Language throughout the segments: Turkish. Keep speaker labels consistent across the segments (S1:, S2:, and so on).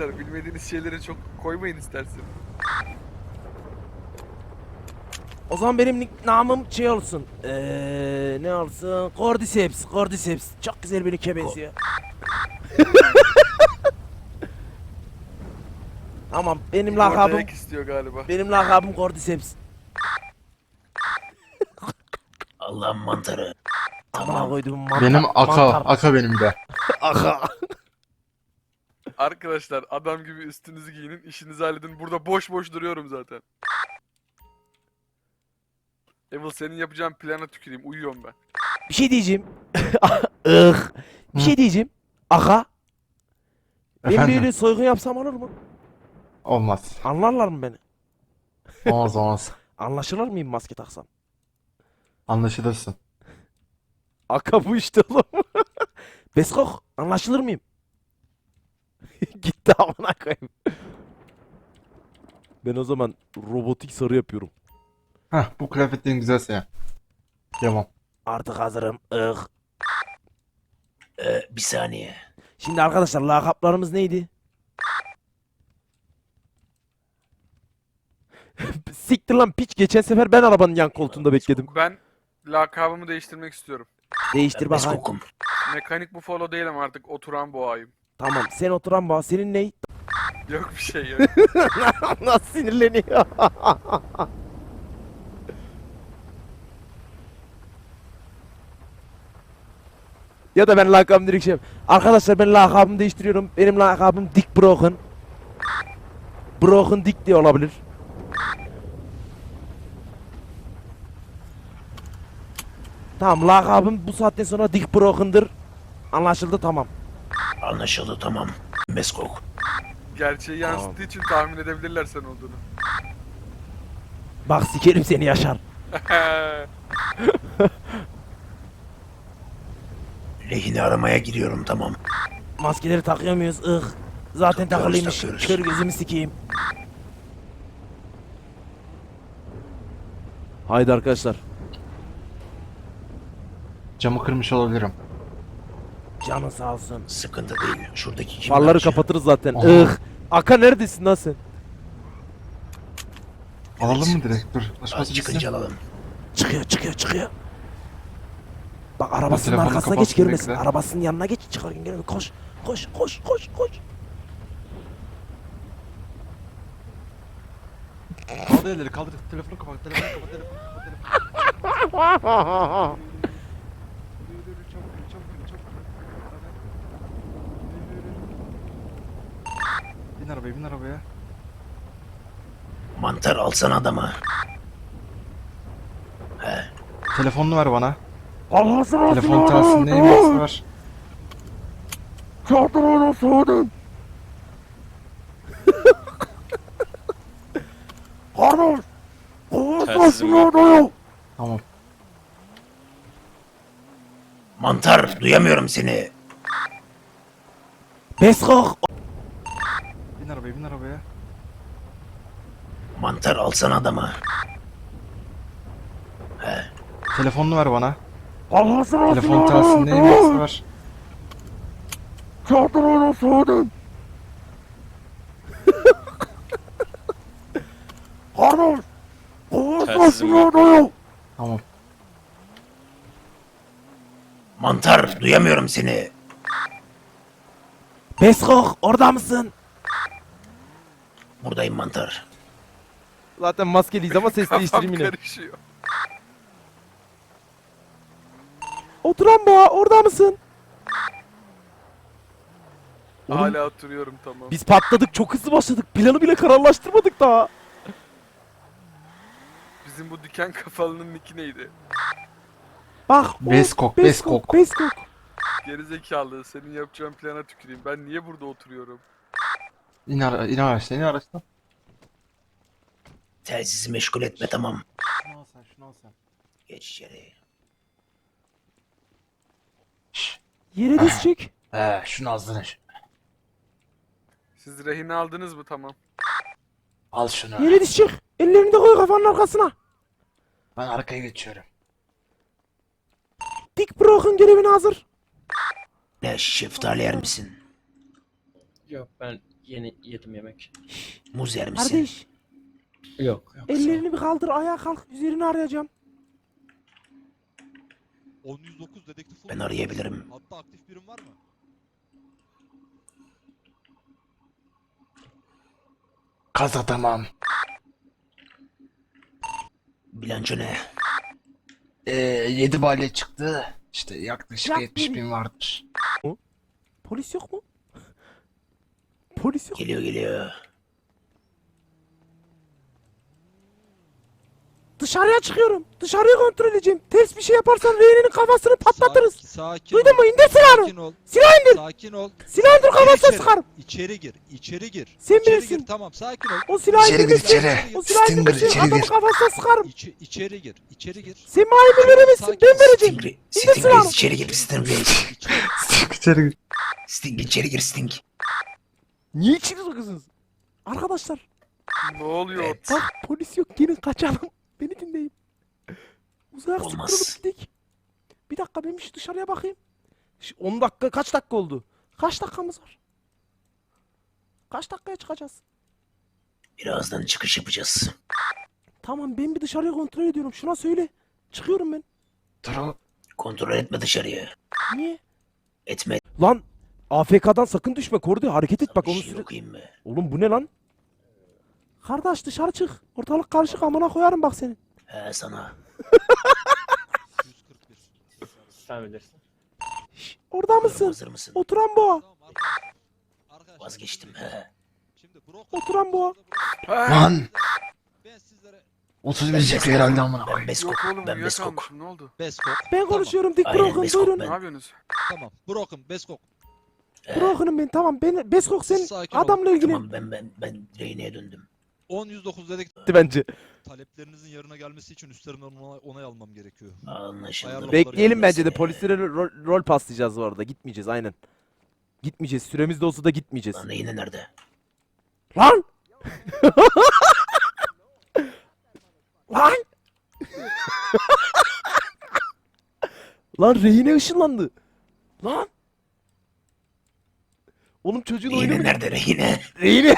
S1: Arkadaşlar bilmediğiniz şeyleri çok koymayın istersen.
S2: O zaman benim namım şey olsun. Ne olsun? Cordyceps. Cordyceps. Çok güzel bir nick'e benziyor. Tamam benim
S1: Orada
S2: lakabım
S1: ek istiyor galiba.
S2: benim lakabım Cordyceps.
S3: Allah'ın mantarı.
S2: Amına koyduğum mantar.
S4: Benim Aka.
S2: Mantar.
S4: Aka benim de.
S2: Aka.
S1: Arkadaşlar adam gibi üstünüzü giyinin, işinizi halledin. Burada boş boş duruyorum zaten. Evil senin yapacağın plana tüküreyim. Uyuyorum ben.
S2: Bir şey diyeceğim. Ih. Bir şey diyeceğim. Aka. Ben
S4: Efendim?
S2: böyle soygun yapsam olur mu?
S4: Olmaz.
S2: Anlarlar mı beni?
S4: Olmaz olmaz.
S2: Anlaşılır mıyım maske taksam?
S4: Anlaşılırsın.
S2: Aka bu işte oğlum. Beskok anlaşılır mıyım? Gitti amına koyayım. Ben o zaman robotik sarı yapıyorum.
S4: Heh, bu kıyafetlerin güzelse ya. Tamam.
S2: Artık hazırım. Ih.
S3: Bir saniye.
S2: Şimdi arkadaşlar lakaplarımız neydi? Siktir lan piç. Geçen sefer ben arabanın yan koltuğunda bekledim.
S1: Ben lakabımı değiştirmek istiyorum.
S2: Değiştir bakayım.
S3: Beskokum.
S1: Mekanik Buffalo değilim artık, oturan boğayım.
S2: Tamam sen oturan bağ. Senin ney?
S1: Yok bir şey yok.
S2: Nasıl sinirleniyor? Ya da ben lakabımı direkt şey arkadaşlar ben lakabımı değiştiriyorum. Benim lakabım Dick Broken. Broken Dick diye olabilir. Tamam lakabım bu saatten sonra Dick Broken'dır. Anlaşıldı tamam.
S3: Anlaşıldı tamam. Beskok.
S1: Gerçeği yansıttığı için tahmin edebilirler sen olduğunu.
S2: Bak sikerim seni Yaşar.
S3: Lehini aramaya giriyorum tamam.
S2: Maskeleri takıyor muyuz? Ih. Zaten takılıymış.
S3: takıyoruz.
S2: Kör gözümü sikeyim. Haydi arkadaşlar.
S4: Camı kırmış olabilirim.
S2: Canın sağ olsun.
S3: Sıkıntı değil. Şuradaki kim?
S2: Farları kapatırız zaten.
S4: Aha.
S2: Ih. Aka neredesin lan sen?
S4: Alalım mı direkt? Dur. Başkası
S3: Çıkınca
S4: gitsin.
S3: alalım.
S2: Çıkıyor. Bak arabasının
S4: telefonu
S2: arkasına geç
S4: kapatsın
S2: görmesin.
S4: bekle.
S2: Arabasının yanına geç çıkarken görmesin. Koş.
S4: Kaldır elleri kaldır. Telefonu kapat. Telefonu kapat. Telefonu kapat. Bin arabaya bin arabaya.
S3: Mantar alsana adamı.
S4: Telefonunu ver bana.
S2: Allah'ını
S4: Telefon telsin neyin varsa ver.
S2: Çarptın onu soğudun. Kardeş. Kovasın adayı.
S4: Tamam.
S3: Mantar duyamıyorum seni.
S2: Beskok.
S4: Bin arabaya bin arabaya.
S3: Mantar alsana adamı.
S4: Telefonunu ver bana.
S2: Allah'ını
S4: Telefon telsin neyin varsa ver.
S2: Çarptın onu soğudun. Kardeş. Kovasın adayı.
S4: Tamam.
S3: Mantar duyamıyorum seni.
S2: Beskok orada mısın?
S3: Buradayım mantar.
S2: Zaten maskeliyiz ama ses değiştireyim
S1: Kafam
S2: yine.
S1: karışıyor.
S2: Oturan boğa orada mısın? Oğlum,
S1: Hala oturuyorum tamam.
S2: biz patladık çok hızlı başladık. Planı bile kararlaştırmadık daha.
S1: Bizim bu diken kafalının nicki neydi?
S2: Bak.
S4: Beskok,
S2: Beskok.
S1: Gerizekalı, senin yapacağın plana tüküreyim. Ben niye burada oturuyorum?
S4: İn araçtan in araçtan.
S3: Telsizi meşgul etme tamam.
S4: Şunu al sen şunu al sen.
S3: Geç içeri.
S2: Yere düşecek.
S4: Şunu ağzına.
S1: Siz rehine aldınız mı? Tamam.
S4: Al şunu.
S2: Yere düşecek. Ellerini de koy kafanın arkasına.
S4: Ben arkaya geçiyorum.
S2: Dick Broken görevine hazır.
S3: Ne şeftali yer misin?
S5: Yok ben Yeni yedim yemek.
S3: Muz yer misin?
S2: Kardeş,
S5: Yok. Yok.
S2: ellerini bir kaldır, ayağa kalk, üzerini arayacağım.
S6: 10-109 dedektif
S3: Ben
S6: olur.
S3: arayabilirim.
S6: Hatta aktif birim var mı?
S4: Kaza tamam.
S3: Bilanço ne?
S4: 7 balya çıktı. İşte yaklaşık
S2: Yak
S4: 70.000 vardır.
S2: Polis yok mu? Polis yok.
S3: Geliyor geliyor.
S2: Dışarıya çıkıyorum. Dışarıyı kontrol edeceğim. Ters bir şey yaparsan rehinenin kafasını patlatırız.
S6: Sakin
S2: Duydun
S6: ol.
S2: mu? İndir silahını.
S6: Sakin ol.
S2: Silah indir.
S6: Sakin ol.
S2: Silah indir,
S6: Gir
S2: kafasına
S6: içeri.
S2: sıkarım.
S6: İçeri gir. İçeri gir.
S2: Sen
S6: İçeri
S2: bilirsin.
S6: gir. Tamam sakin ol.
S2: O silahı
S4: İçeri gir,
S2: indirmesin.
S4: içeri.
S2: O silahı
S4: Stinger,
S2: indirmesin.
S4: içeri
S2: Adamın
S4: gir.
S2: kafasına sıkarım.
S6: İçeri gir. İçeri gir.
S2: Sen mahallemi veremezsin.
S6: Sakin
S2: Ben
S6: ol.
S2: vereceğim.
S3: Sting,
S2: İndir
S3: Sting
S2: silahını.
S3: Reis içeri gir Sting Reis.
S6: İçeri.
S4: İçeri gir.
S3: Sting içeri gir Sting.
S2: Niye içeri sokuyorsunuz? Arkadaşlar
S1: Ne oluyor?
S3: Evet.
S2: bak, polis yok, gelin kaçalım. Beni dinleyin. Uzaya
S3: Olmaz.
S2: sıkırılıp gidelim. Bir dakika, ben bir şu dışarıya bakayım. 10 dakika, kaç dakika oldu? Kaç dakikamız var? Kaç dakikaya çıkacağız?
S3: Birazdan çıkış yapacağız.
S2: Tamam, ben bir dışarıyı kontrol ediyorum. Şuna söyle. Çıkıyorum ben.
S4: Dur o.
S3: Kontrol etme dışarıya.
S2: Niye?
S3: Etme.
S2: Lan AFK'dan sakın düşme Kordi, hareket et bak,
S3: Bir
S2: onun
S3: şey
S2: süre...
S3: okuyayım mı?
S2: Oğlum bu ne lan? Kardeş dışarı çık. Ortalık karışık, amına koyarım bak seni.
S3: He sana.
S6: 141.
S5: Sen bilirsin.
S2: Şş, orada mısın?
S3: Hazır mısın?
S2: Oturan boğa.
S6: Tamam arkadaşlar. Arkadaşlar.
S3: Vazgeçtim he.
S6: Şimdi
S2: Oturan boğa.
S4: Lan.
S6: Ben sizlere
S4: 31 çıkıyor herhalde amına
S3: Ben
S4: koyayım.
S3: Beskok.
S1: Yok oğlum
S3: Ben Beskok.
S1: uyuyakalmışım, ne oldu?
S6: Beskok.
S2: Ben
S6: Tamam,
S2: konuşuyorum, dik
S3: Aynen,
S2: Broken,
S3: Beskok
S2: buyurun.
S3: ben.
S1: Ne yapıyorsunuz?
S6: Tamam. Broken. Beskok.
S2: Broken'ım ben, tamam. Ben Beskok, sen
S6: Sakin ol.
S2: adamla ilgilen.
S3: Tamam ben rehineye döndüm.
S6: 10-109 dedektif.
S2: Bence.
S6: Taleplerinizin yerine gelmesi için üstlerinden onay almam gerekiyor.
S3: Anlaşıldı.
S6: Ayarlamaları
S2: Bekleyelim bence de,
S3: Neyse.
S2: polislere rol paslayacağız bu arada. Gitmeyeceğiz aynen. Gitmeyeceğiz. Süremiz de olsa da gitmeyeceğiz.
S3: Lan rehine nerede?
S2: Lan! Lan! Lan rehine ışınlandı. Lan! Oğlum çocuğun oyunu
S3: Rehine
S2: mu?
S3: nerede rehine?
S2: Rehine.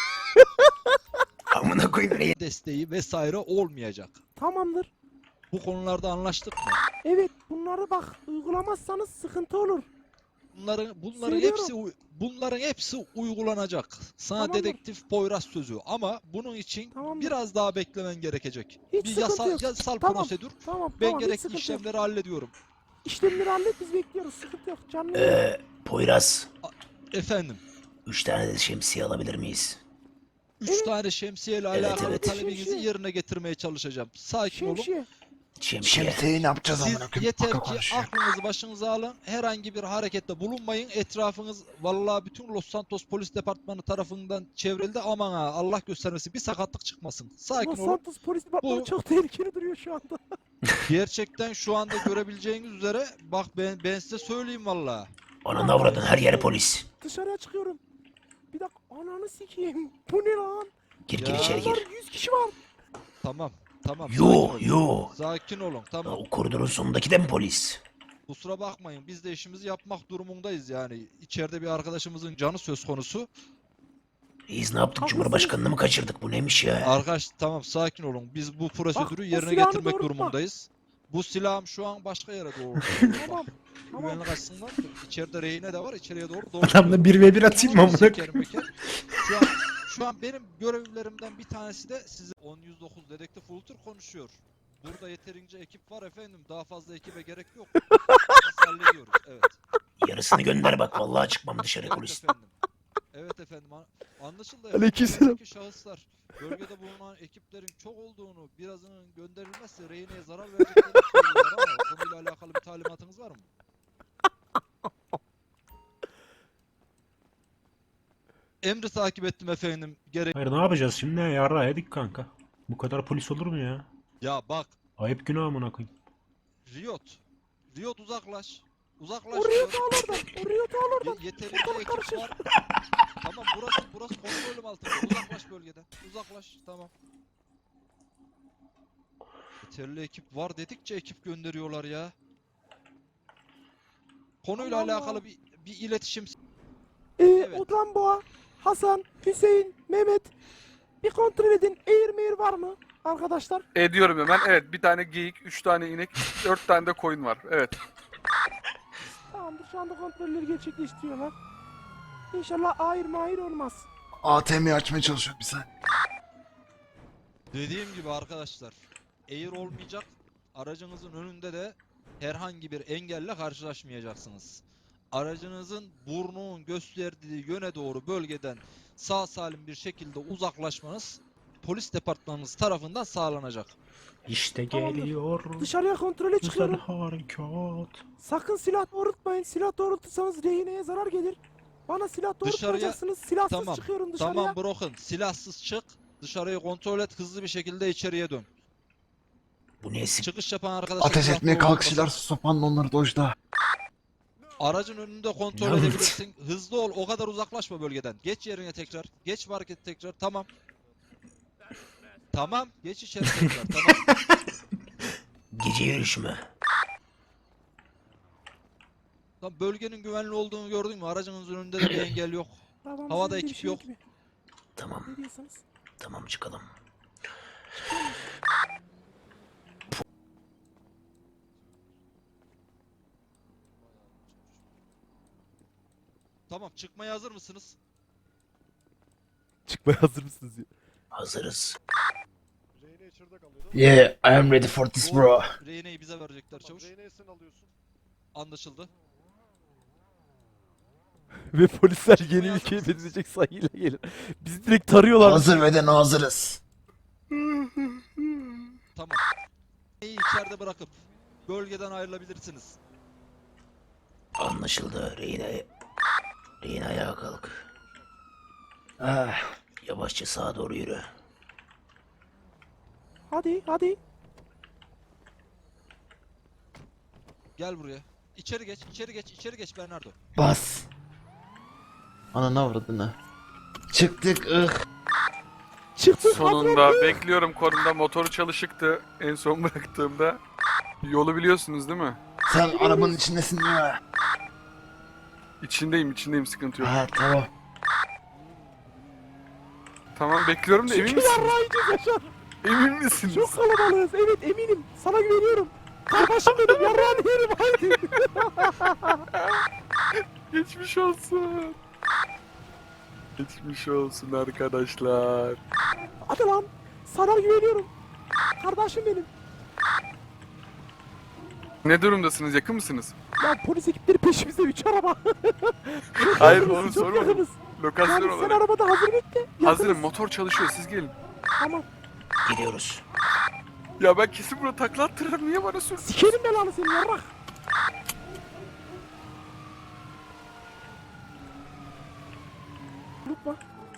S3: Amına koyayım rehine.
S6: Desteği vesaire olmayacak.
S2: Tamamdır.
S6: Bu konularda anlaştık mı?
S2: Evet, bunları bak uygulamazsanız sıkıntı olur.
S6: Bunların hepsi uygulanacak. Sana
S2: Tamamdır.
S6: dedektif Poyraz sözü ama bunun için
S2: Tamamdır.
S6: biraz daha beklemen gerekecek.
S2: Hiç
S6: Bir
S2: sıkıntı yok.
S6: yasal
S2: Tamam.
S6: prosedür.
S2: Tamam,
S6: Ben
S2: tamam, hiç
S6: gerekli
S2: sıkıntı yok.
S6: işlemleri hallediyorum.
S2: İşlemleri hallet, biz bekliyoruz. Sıkıntı yok. Canlı yayın.
S3: Poyraz.
S6: Efendim,
S3: 3 tane de şemsiye alabilir miyiz?
S6: 3 tane şemsiyeyle
S3: Evet,
S6: alakalı
S3: evet.
S6: talebinizi
S2: Şemsiye.
S6: yerine getirmeye çalışacağım. Sakin olun.
S2: Şemsiye.
S3: Şemsiye.
S4: Şemsiyeyi ne yapacağız
S6: Siz
S4: amına koyayım?
S6: yeter
S4: Baka
S6: ki
S4: konuşuyor.
S6: aklınızı başınıza alın. Herhangi bir harekette bulunmayın. Etrafınız vallahi bütün Los Santos Polis Departmanı tarafından çevrildi. Aman ha, Allah göstermesin bir sakatlık çıkmasın. Sakin
S2: Los
S6: olun.
S2: Santos polis departmanı
S6: Bu-
S2: çok tehlikeli duruyor şu anda.
S6: Gerçekten şu anda görebileceğiniz üzere bak ben size söyleyeyim vallahi.
S3: Ananı avradın her yere polis.
S2: Dışarıya çıkıyorum. Bir dakika, ananı sikeyim. Bu ne lan?
S3: Gir
S6: Ya.
S3: gir içeri
S2: Bunlar
S3: gir.
S2: 100 kişi var.
S6: Tamam. Tamam.
S3: Yo
S6: sakin olun.
S3: yo.
S6: Sakin olun. Tamam.
S3: O koridorun sonundaki de mi polis?
S6: Kusura bakmayın. Biz de işimizi yapmak durumundayız yani. İçeride bir arkadaşımızın canı söz konusu.
S3: Reis ne yaptık?
S2: Haklısınız.
S3: Cumhurbaşkanını mı kaçırdık? Bu neymiş ya?
S6: Arkadaş tamam sakin olun. Biz bu prosedürü
S2: o
S6: yerine
S2: silahını
S6: getirmek
S2: doğrultma.
S6: durumundayız. Bu silahım şu an başka yere doğru.
S2: Tamam. Tamam.
S6: Güvenlik açısından içeride rehine de var. İçeriye doğru
S4: Adamla 1v1 atayım mı amına koyayım?
S6: Şu an benim görevlerimden bir tanesi de size 10-109 dedektif Ultur konuşuyor. Burada yeterince ekip var efendim. Daha fazla ekibe gerek yok. Biz hallediyoruz. Evet.
S3: Yarısını gönder bak. Vallahi çıkmam dışarı
S6: Evet
S3: polis.
S6: efendim. Evet efendim. Anlaşıldı. efendim.
S2: Aleykümselam.
S6: Buradaki şahıslar bölgede bulunan ekiplerin çok olduğunu, birazının gönderilmezse rehineye zarar vereceklerini söylüyorlar ama konuyla alakalı bir talimatınız var mı? Emri takip ettim efendim. Gerek.
S7: Hayır ne yapacağız şimdi? Yarrağı yedik kanka. Bu kadar polis olur mu ya?
S6: Ya bak,
S7: Ayıp günah amına koyayım.
S6: Riot. Riot uzaklaş. Uzaklaş.
S2: Oraya
S6: diyor.
S2: da al oradan. Oraya da al oradan.
S6: Yeterince
S2: Ortalık
S6: ekip
S2: karışır.
S6: var. Tamam burası kontrolüm altında. Uzaklaş bölgeden. Uzaklaş. Tamam. Yeterli ekip var dedikçe ekip gönderiyorlar ya. Konuyla
S2: Allah Allah.
S6: alakalı bir iletişim.
S2: Ee,
S6: Evet.
S2: Oturan boğa. Hasan, Hüseyin, Mehmet. Bir kontrol edin. Eğir meğir var mı arkadaşlar?
S1: Ediyorum hemen. Evet, bir tane geyik, 3 tane inek, 4 tane de koyun var. Evet.
S2: Tamamdır, şu anda kontrolleri gerçekleştiriyorlar. İnşallah ayrı mahir olmaz.
S4: ATM'yi açmaya çalışıyor bir saniye.
S6: Dediğim gibi arkadaşlar, eğer olmayacak, aracınızın önünde de herhangi bir engelle karşılaşmayacaksınız. Aracınızın burnunun gösterdiği yöne doğru bölgeden sağ salim bir şekilde uzaklaşmanız polis departmanımız tarafından sağlanacak.
S7: İşte
S2: Tamamdır.
S7: geliyor.
S2: Dışarıya kontrole
S7: Güzel
S2: çıkıyorum.
S7: harekat.
S2: Sakın silah doğrultmayın. Silah doğrultursanız rehineye zarar gelir. Bana silah doğrultmayacaksınız. Silahsız
S6: Tamam,
S2: çıkıyorum dışarıya.
S6: Tamam Broken, silahsız çık. Dışarıyı kontrol et, hızlı bir şekilde içeriye dön.
S3: Bu ne sik?
S6: Çıkış yapan arkadaşlar
S4: Ateş
S6: silah
S4: etmeye
S6: doğrultmasın.
S4: kalkışırlar sopanla onları dojda.
S6: Aracın önünde kontrol
S3: Ne oldu?
S6: edebilirsin. Hızlı ol, o kadar uzaklaşma bölgeden. Geç yerine tekrar. Geç market tekrar. Tamam. Tamam. Geç içeri tekrar. Tamam.
S3: Gece yürüyüşü mü?
S6: Tamam. Bölgenin güvenli olduğunu gördün mü? Aracınızın önünde de bir engel yok.
S2: Tamam,
S6: Havada
S2: sizin
S6: ekip
S2: bir şey
S6: yok.
S2: gibi.
S3: Tamam,
S2: Ne diyorsunuz?
S3: tamam çıkalım.
S6: Tamam. Çıkmaya hazır mısınız?
S2: Çıkmaya hazır mısınız ya?
S3: Hazırız.
S4: Yeah, I am ready for this bro.
S6: Rehineyi bize verecekler çavuş. Anlaşıldı.
S2: Ve polisler yeni ülkeye benzeyecek sayıyla gelir. Bizi direkt tarıyorlar.
S4: Hazır ve de hazırız.
S6: Tamam. Rehineyi içeride bırakıp bölgeden ayrılabilirsiniz.
S3: Anlaşıldı. Reyna ayağa kalk.
S4: Ah,
S3: Yavaşça sağa doğru yürü.
S2: Hadi hadi.
S6: Gel buraya. İçeri geç, içeri geç, içeri geç Bernardo.
S4: bas. Ananı avradını. Çıktık
S2: Çıktık.
S1: Sonunda bekliyorum konumda. Motoru çalışıktı en son bıraktığımda. Yolu biliyorsunuz değil mi?
S4: Sen arabanın içindesin değil mi?
S1: İçindeyim, sıkıntı yok.
S4: Ha tamam.
S1: Tamam, bekliyorum da emin
S2: Çünkü
S1: misin?
S2: yarrağıyacağız Yaşar.
S1: Emin misiniz?
S2: Çok kalabalığız. Evet eminim. Sana güveniyorum. Kardeşim benim yarrağını yerim. Haydi.
S1: Geçmiş olsun. Geçmiş olsun arkadaşlar.
S2: Hadi lan. Sana güveniyorum. Kardeşim benim.
S1: Ne durumdasınız? Yakın mısınız?
S2: Ya polis ekipleri peşimizde 3 araba.
S1: Hayır,
S2: Yakınız,
S1: onu
S2: çok
S1: sormadım.
S2: yakınız.
S1: Lokasyon
S2: Yani sen
S1: olarak.
S2: arabada hazır bekle.
S1: Hazırım,
S2: Yakınız.
S1: motor çalışıyor, siz gelin.
S2: Tamam.
S3: Gidiyoruz.
S1: Ya ben kesin burada takla attırırım, niye bana sürdün?
S2: Sikerim belanı seni yarrak. Unutma.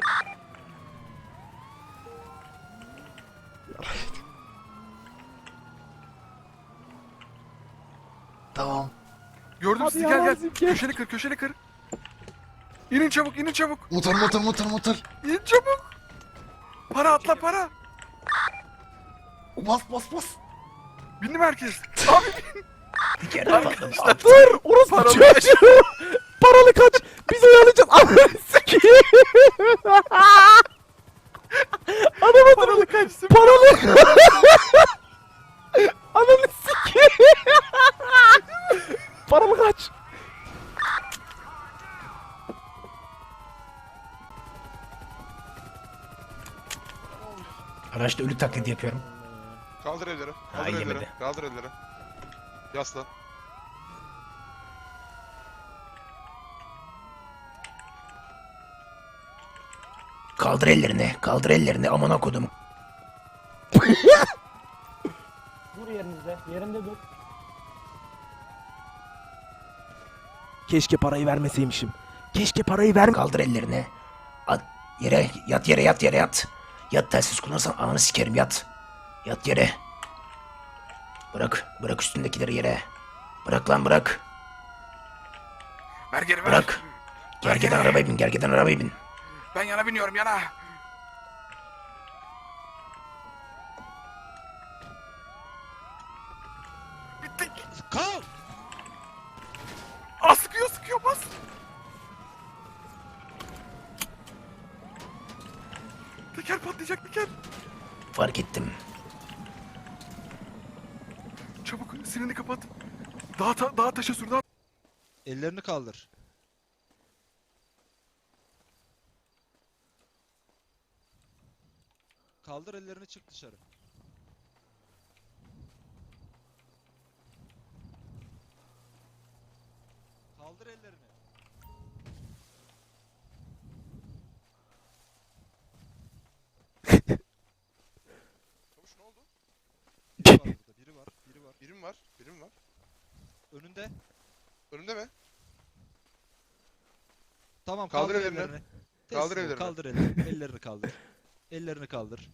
S4: Tamam.
S1: Gördüm
S2: Hadi
S1: sizi,
S2: ya,
S1: gel gel.
S2: Azim, gel.
S1: Köşeni kır. İnin çabuk, inin çabuk.
S4: Motor.
S1: İn çabuk. Para atla, para.
S4: Bas.
S1: Bindi mi herkes? Abi
S3: Bir kere patlamış.
S2: Dur! Orası
S1: Paralı
S2: çocuğu! Paralı kaç! Biz oyalayacağız! Ananı sikeyim! Ananı
S1: paralı kaçsın.
S2: Paralı! Ananı sikeyim! Paralı kaç!
S3: Araçta ölü taklidi yapıyorum.
S8: Kaldır elleri.
S3: Ha,
S8: Kaldır elleri.
S3: yemedi.
S8: Kaldır elleri. Yaslan.
S3: Kaldır ellerini. Kaldır ellerini. Amına kodum.
S5: Dur yerinizde. Yerinde dur.
S2: Keşke parayı vermeseymişim. Keşke parayı verme...
S3: Kaldır ellerini. At yere. Yat yere. Yat yere yat. Yat, telsiz kullanırsan ananı sikerim, yat. Yat yere. Bırak üstündekileri yere. Bırak lan, bırak.
S1: Ver geri ver.
S3: Bırak. Gergeden arabaya bin. Gergeden arabaya bin.
S1: Ben yana biniyorum, yana. Bittik.
S6: Kal!
S1: Aa, sıkıyor bas. Spiker patlayacak Spiker.
S3: Fark ettim.
S1: Çabuk sirenini kapat. Dağa taşa sür.
S6: Ellerini kaldır. Kaldır ellerini, çık dışarı. Kaldır ellerini.
S8: Çavuş ne oldu?
S6: Biri var burada, biri var, biri var.
S8: Birim var. Birim var.
S6: Önünde.
S8: Önümde mi?
S6: Tamam,
S8: Kaldır
S6: kaldır
S8: ellerini.
S6: ellerini.
S8: Kaldır
S6: Teslim ol,
S8: ellerini.
S6: kaldır ellerini. Ellerini kaldır. Ellerini kaldır.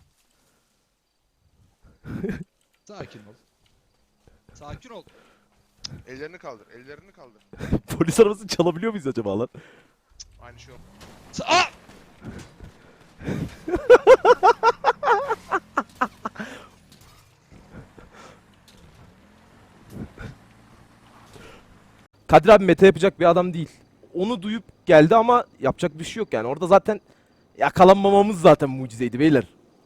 S6: Sakin ol. Sakin ol.
S8: Ellerini kaldır. Ellerini kaldır.
S2: Polis arabasını çalabiliyor muyuz acaba lan?
S8: Aynı şey oldu.
S6: Aa!
S2: Kadir abi meta yapacak bir adam değil. Onu duyup geldi ama yapacak bir şey yok yani. Orada zaten yakalanmamamız zaten mucizeydi beyler.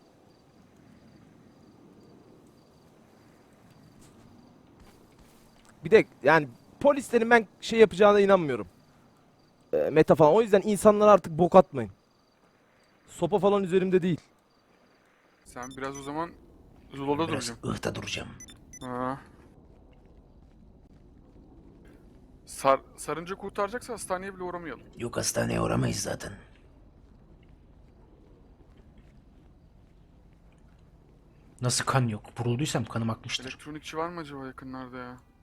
S2: Bir de yani polislerin ben şey yapacağına inanmıyorum. Meta falan. O yüzden insanlara artık bok atmayın. Sopa falan üzerimde değil.
S1: Sen biraz o zaman Zula'da
S3: Biraz
S1: duracaksın.
S3: ıhta duracağım.
S1: Ha. Sarınca kurtaracaksa hastaneye bile uğramayalım.
S3: Yok, hastaneye uğramayız zaten.
S7: Nasıl kan yok? Vurulduysam kanım akmıştır.
S1: Elektronikçi var mı acaba yakınlarda ya?